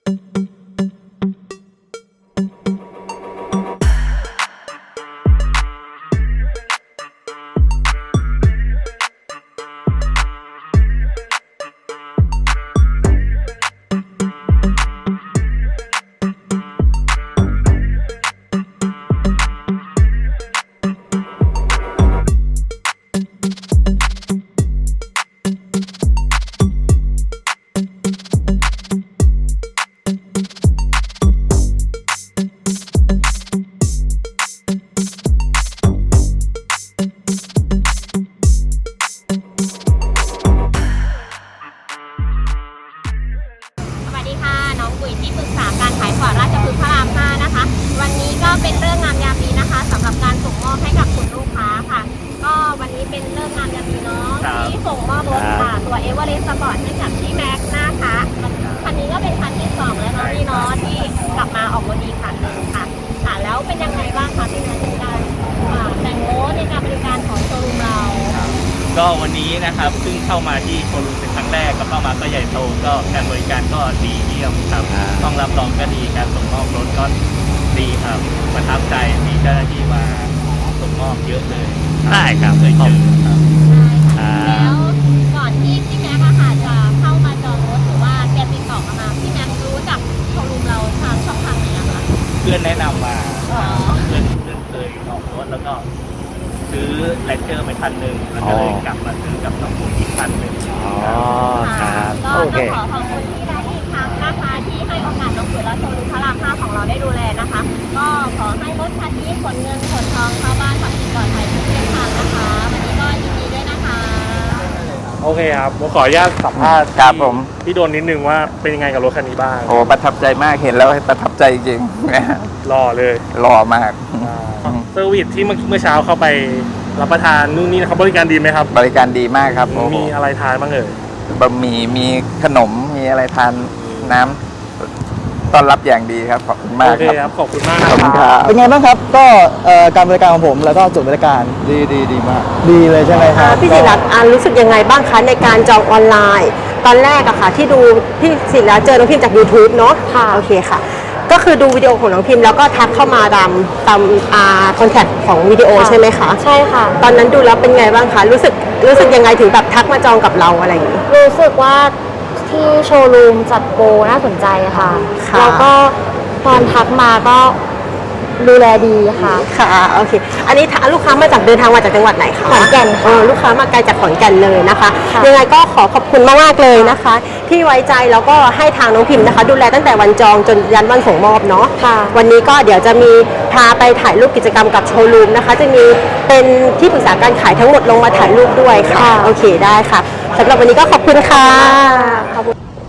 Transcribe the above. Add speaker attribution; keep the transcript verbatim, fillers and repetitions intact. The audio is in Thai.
Speaker 1: ที่ปรึกษาการขายฝอราชพฤกษ์พระรามห้านะคะวันนี้ก็เป็นเรื่องงามยามดีนะคะสำหรับการส่งมอบให้กับคุณลูกค้าค่ะก็วันนี้เป็นเรื่องงามยามดีเนาะที่ส่งมอบรถค่ะตัวเอเวอเรสต์สปอร์ตให้กับพี่แม็กซ์นะคะคันนี้ก็เป็นคันที่สองแล้วเนาะพี่เนาะที่กลับมาออกรถดีคันหนึ่งค่ะค่ะแล้วเป็นยังไงบ้างคะพี่แม็กซ์ในการแต่งรถในการบริการของโชว์รูมเรา
Speaker 2: ก็วันนี้นะครับซึ่งเข้ามาที่โชว์รูมเป็นครั้งแรกก็เข้ามาก็ใหญ่โตก็การบริการก็ดีเยี่ยมครับต้องรับรองก็ดีการส่งมอบรถก็ดีครับประทับใจที่เจ้าหน้าที่มาส่งมอบเยอะเลย
Speaker 3: ได้ครับ
Speaker 2: เคยเจอครับ
Speaker 1: แล้วก่อนที่พี่แม็กซ์ค่ะจะเข้ามาจองรถหรือว่าแกติดต่อมาพี่แม็กซ์รู้จักโชว์รูมเราทางช่องทางไหนคะ
Speaker 2: เพื่อนแนะนำมาเพื่อนเพื่อนเคยออกรถแล้วก็ซื้อแลนเจอร์ไปคันหนึ่งแล้วก็เลยกลับมาซื้อกับน้องผู้อีกคันหนึ่ง
Speaker 3: อ๋อครับ
Speaker 1: ก็ต้องขอขอบคุณที่ได้อีกครั้งนะคะที่ให้โอกาสน้องปุ๋ยและโชว์รูมพระรามห้าของเราได้ดูแลนะคะก็ขอให้รถคันนี้ขนเงินขนทองเข้าบ้านขับขี่ปลอดภัยทุกเส้นทางนะคะวันนี้ก็ยินดีด้วยนะคะ
Speaker 3: โอเคครับผมขออนุญาตสัมภาษณ์
Speaker 4: ครับผม
Speaker 3: พี่โดนนิดนึงว่าเป็นยังไงกับรถคันนี้บ้าง
Speaker 4: โอ้ประทับใจมากเห็นแล้วประทับใจจริง
Speaker 3: หล่อเลย
Speaker 4: หล่อมาก
Speaker 3: เซอร์วิสที่เมื่อเช้าเข้าไปรับประทานนู่นนี่นะครับบริการดีไหมครับ
Speaker 4: บริการดีมากครับ
Speaker 3: มีอะไรทานบ้างเอ่ย
Speaker 4: บะหมี่มีขนมมีอะไรทานน้ำต้อนรับอย่างดีครับขอบคุณมาก
Speaker 3: ครับขอบคุณมากครับ
Speaker 5: เป็นไงบ้างครับก็การบริการของผมแล้วก็จุดบริการ
Speaker 4: ดีดีดีมาก
Speaker 5: ดีเลยใช่ไหมครับ
Speaker 6: พี่ศิรัตน์รู้สึกยังไงบ้างคะในการจองออนไลน์ตอนแรกอะค่ะที่ดูพี่ศิรัตน์เจอน้องพิมจาก ยูทูบ เนาะค่ะโอเคค่ะก็คือดูวิดีโอของน้องพิมแล้วก็ทักเข้ามาตามตามอ่าคอนแทคของวิดีโอใช่ไหมคะ
Speaker 7: ใช่ค่ะ
Speaker 6: ตอนนั้นดูแล้วเป็นไงบ้างคะรู้สึกรู้สึกยังไงถึงแบบทักมาจองกับเราอะไรอย่างนี้
Speaker 7: รู้สึกว่าที่โชว์รูมจัดโปรน่าสนใจค่ะแล้วก็ตอนทักมาก็ดูแลดีค่ะ
Speaker 6: ค่ะโอเคอันนี้ลูกค้ามาจากเดินทางมาจากจังหวัดไหนคะ
Speaker 7: ขอนแก่น
Speaker 6: ค่ะลูกค้ามาไกลจากขอนแก่นเลยนะคะยังไงก็ขอขอบคุณมากๆเลยนะคะที่ไว้ใจแล้วก็ให้ทางน้องพิมนะคะดูแลตั้งแต่วันจองจนยันวันส่งมอบเนาะวันนี้ก็เดี๋ยวจะมีพาไปถ่ายรูปกิจกรรมกับโชว์รูมนะคะจะมีเป็นที่ปรึกษาการขายทั้งหมดลงมาถ่ายรูปด้วยค่ะโอเคได้ค่ะสำหรับวันนี้ก็ขอบคุณค่ะขอบคุณ